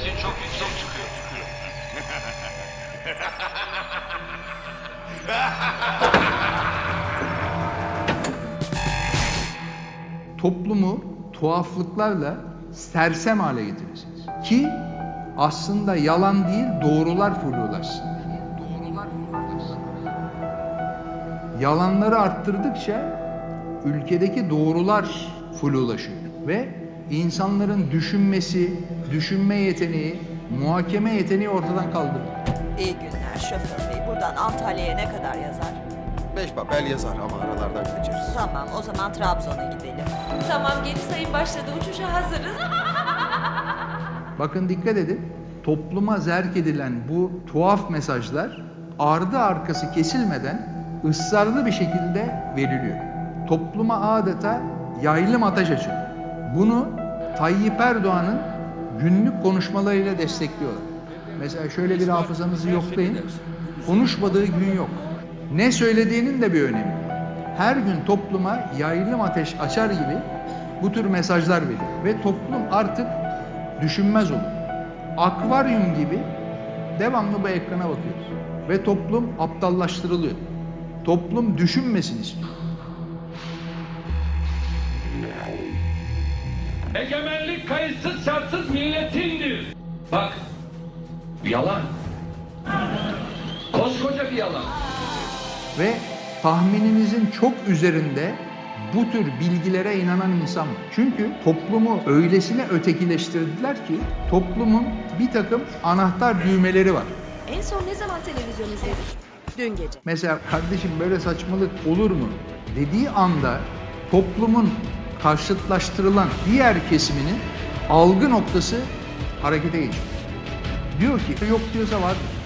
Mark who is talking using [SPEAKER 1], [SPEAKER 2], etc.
[SPEAKER 1] Sesin çok yüksek çıkıyor.
[SPEAKER 2] Toplumu tuhaflıklarla sersem hale getireceğiz. Ki aslında yalan değil, doğrular flulaşsın. Yalanları arttırdıkça ülkedeki doğrular flulaşıyor ve insanların düşünme yeteneği, muhakeme yeteneği ortadan kaldırıyor.
[SPEAKER 3] İyi günler şoför bey. Buradan Antalya'ya ne kadar yazar?
[SPEAKER 4] 5 papel yazar ama aralardan kaçarız.
[SPEAKER 3] Tamam, o zaman Trabzon'a gidelim.
[SPEAKER 5] Tamam, geri sayım başladı. Uçuşa hazırız.
[SPEAKER 2] Bakın dikkat edin, topluma zerk edilen bu tuhaf mesajlar ardı arkası kesilmeden ısrarlı bir şekilde veriliyor. Topluma adeta yaylım ateş açıyor. Bunu Tayyip Erdoğan'ın günlük konuşmalarıyla destekliyorlar. Mesela şöyle bir hafızanızı yoklayın, konuşmadığı gün yok. Ne söylediğinin de bir önemi yok. Her gün topluma yaylım ateş açar gibi bu tür mesajlar veriyor. Ve toplum artık düşünmez olur. Akvaryum gibi devamlı bu ekrana bakıyoruz. Ve toplum aptallaştırılıyor. Toplum düşünmesin istiyor.
[SPEAKER 6] Egemenlik kayıtsız şartsız milletindir. Bak, yalan. Koskoca bir yalan.
[SPEAKER 2] Ve tahmininizin çok üzerinde bu tür bilgilere inanan insan var. Çünkü toplumu öylesine ötekileştirdiler ki toplumun bir takım anahtar düğmeleri var.
[SPEAKER 5] En son ne zaman televizyon izledik? Dün gece.
[SPEAKER 2] Mesela kardeşim böyle saçmalık olur mu dediği anda toplumun karşıtlaştırılan diğer kesiminin algı noktası harekete geçiyor. Diyor ki yok diyorsa var.